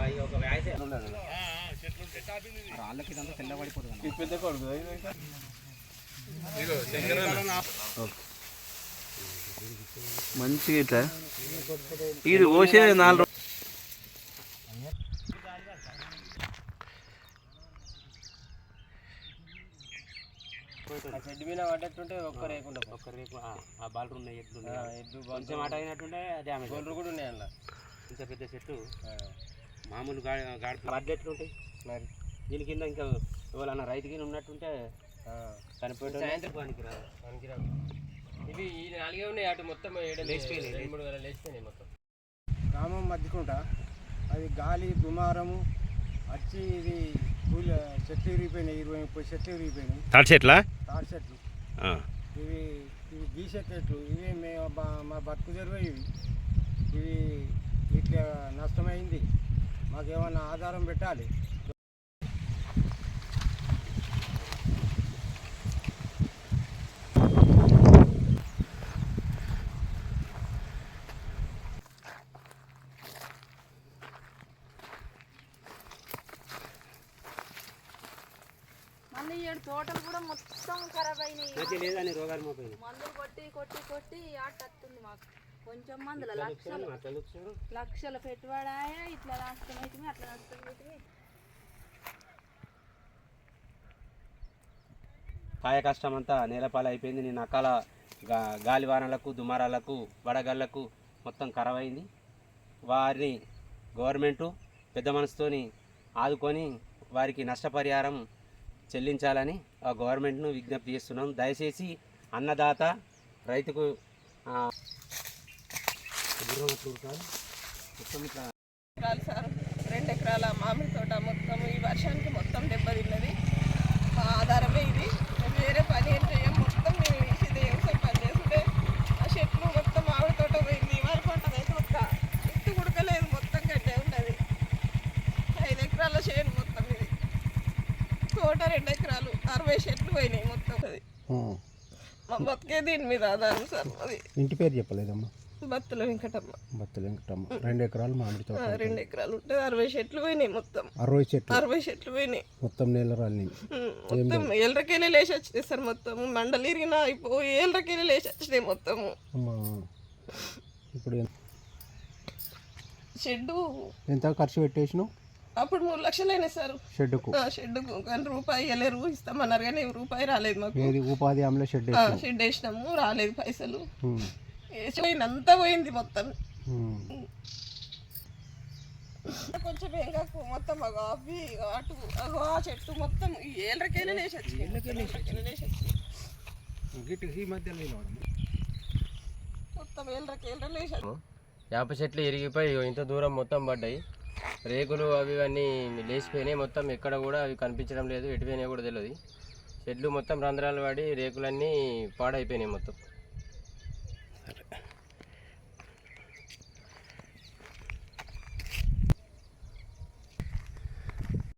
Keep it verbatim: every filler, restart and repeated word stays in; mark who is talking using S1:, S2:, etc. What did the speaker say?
S1: రాళ్ళకి ఇదంతా తెల్లబడిపోతుంది.
S2: మంచిగా ఇట్లా ఇది పోసే నాలుగు
S1: చెడ్డు మీద పడ్డట్టుంటే ఒక్క రేకుండా ఒక్క రేపు ఆ బాల్ ఉన్నాయి ఎడ్లు ఎడ్లు కొంచెం మాట అయినట్టుంటే డ్యామేజ్ గోల్లు కూడా ఉన్నాయి అందులో. ఇంత పెద్ద చెట్టు మామూలు గా గాడి వడ్లు ఎట్లుంటాయి మరి దీని కింద ఇంకా ఎవరన్నా రైతుకి ఉన్నట్టుంటే చనిపోయి సాయంత్రం పనికిరాదు పనికిరాదు. ఇవి ఈ నాలుగే ఉన్నాయి అటు మొత్తం లేచిపోయినాయి రెండు మూడు వేల లేచిపోయినాయి మొత్తం.
S3: గ్రామం మధ్యకుంట అది గాలి దుమారము వచ్చి ఇది పూల చెట్లు విరిగిపోయినాయి, ఇరవై ముప్పై చెట్లు విరిగిపోయినాయి.
S2: తాటి చెట్ల
S3: తాటి చెట్లు ఇవి ఇవి గీసే చెట్లు ఇవి మేము మా బతుకు తెరువే ఇవి ఇవి ఇట్లా నష్టమైంది. మాకేమన్నా ఆధారం పెట్టాలి.
S4: మళ్ళీ ఏడు తోటలు కూడా మొత్తం ఖరాబ్ అయినాయి.
S1: రోగాలు మోపోయింది.
S4: మందులు కొట్టి కొట్టి కొట్టి ఆట వస్తుంది మాకు. కొంచెం మందుల లక్షలు లక్షల పెట్టుబడాయా ఇట్లా నష్టం అవుతుంది అట్లా నష్టం అవుతుంది.
S1: కాయ కష్టం అంతా నేలపాలు అయిపోయింది. నేను అకాల గా గాలివానలకు దుమారాలకు వడగళ్లకు మొత్తం ఖరాబ్ అయింది. వారిని గవర్నమెంటు పెద్ద మనసుతోని ఆదుకొని వారికి నష్టపరిహారం చెల్లించాలని ఆ గవర్నమెంట్ను విజ్ఞప్తి చేస్తున్నాం. దయచేసి అన్నదాత రైతుకు
S5: ఎకరాలు సార్ రెండు ఎకరాల మామిడి తోట మొత్తం ఈ వర్షానికి మొత్తం దెబ్బతిన్నది. మా ఆధారమే ఇది. వేరే పని ఏం చేయం. మొత్తం మేము వేసేది వ్యవసాయం పని చేస్తుంటే ఆ చెట్లు మొత్తం మామిడి తోట పోయింది. వరి పంట అయితే ఒక్క ఇట్టు కుడకలేదు, మొత్తం గడ్డే ఉన్నది. ఐదు ఎకరాల చేను మొత్తం ఇది. తోట రెండు ఎకరాలు అరవై చెట్లు పోయినాయి మొత్తం. అది మా బతికే దీని మీద ఆధారం సార్. అది
S3: ఇంటి పేరు చెప్పలేదమ్మా?
S5: బత్తుల వెంకటమ్మ.
S3: బత్తుల వెంకటమ్మ. రెండు ఎకరాలు మామిడి తోట.
S5: రెండు ఎకరాలు ఉంటుంది. అరవై చెట్లు పోయినాయి మొత్తం.
S3: అరవై చెట్లు
S5: అరవై చెట్లు పోయినాయి
S3: మొత్తం. నేల రాలి
S5: మొత్తం ఏళ్ళకెళ్ళి లేచి వచ్చినాయి సార్. మొత్తం మండలి ఇరిగిన అయిపోయి ఏళ్ళకెళ్ళి లేచి వచ్చినాయి మొత్తము.
S3: ఇప్పుడు
S5: షెడ్డు
S3: ఎంత ఖర్చు పెట్టేసినావు?
S5: అప్పుడు మూడు లక్షలు అయినాయి సార్
S3: షెడ్డుకు.
S5: షెడ్డుకు కానీ రూపాయి ఇవ్వలేరు, ఇస్తామన్నారు కానీ రూపాయి రాలేదు మాకు.
S3: ఉపాధి హామీలో షెడ్
S5: షెడ్ వేసినాము, రాలేదు పైసలు. అంతా పోయింది మొత్తం. కొంచెం ఇంకా మొత్తం అవి అటు అగో ఆ చెట్టు మొత్తం ఏళ్ళకెళ్ళి లేచి మొత్తం ఏళ్ళకెళ్ళి లేచి.
S1: వేప చెట్లు ఇరిగిపోయి ఇంత దూరం మొత్తం పడ్డాయి. రేకులు అవి అన్నీ లేచిపోయినాయి మొత్తం. ఎక్కడ కూడా అవి కనిపించడం లేదు, ఎటుపోయినాయి కూడా తెలియదు. చెట్లు మొత్తం రంధ్రాలు పడి రేకులన్నీ పాడైపోయినాయి మొత్తం.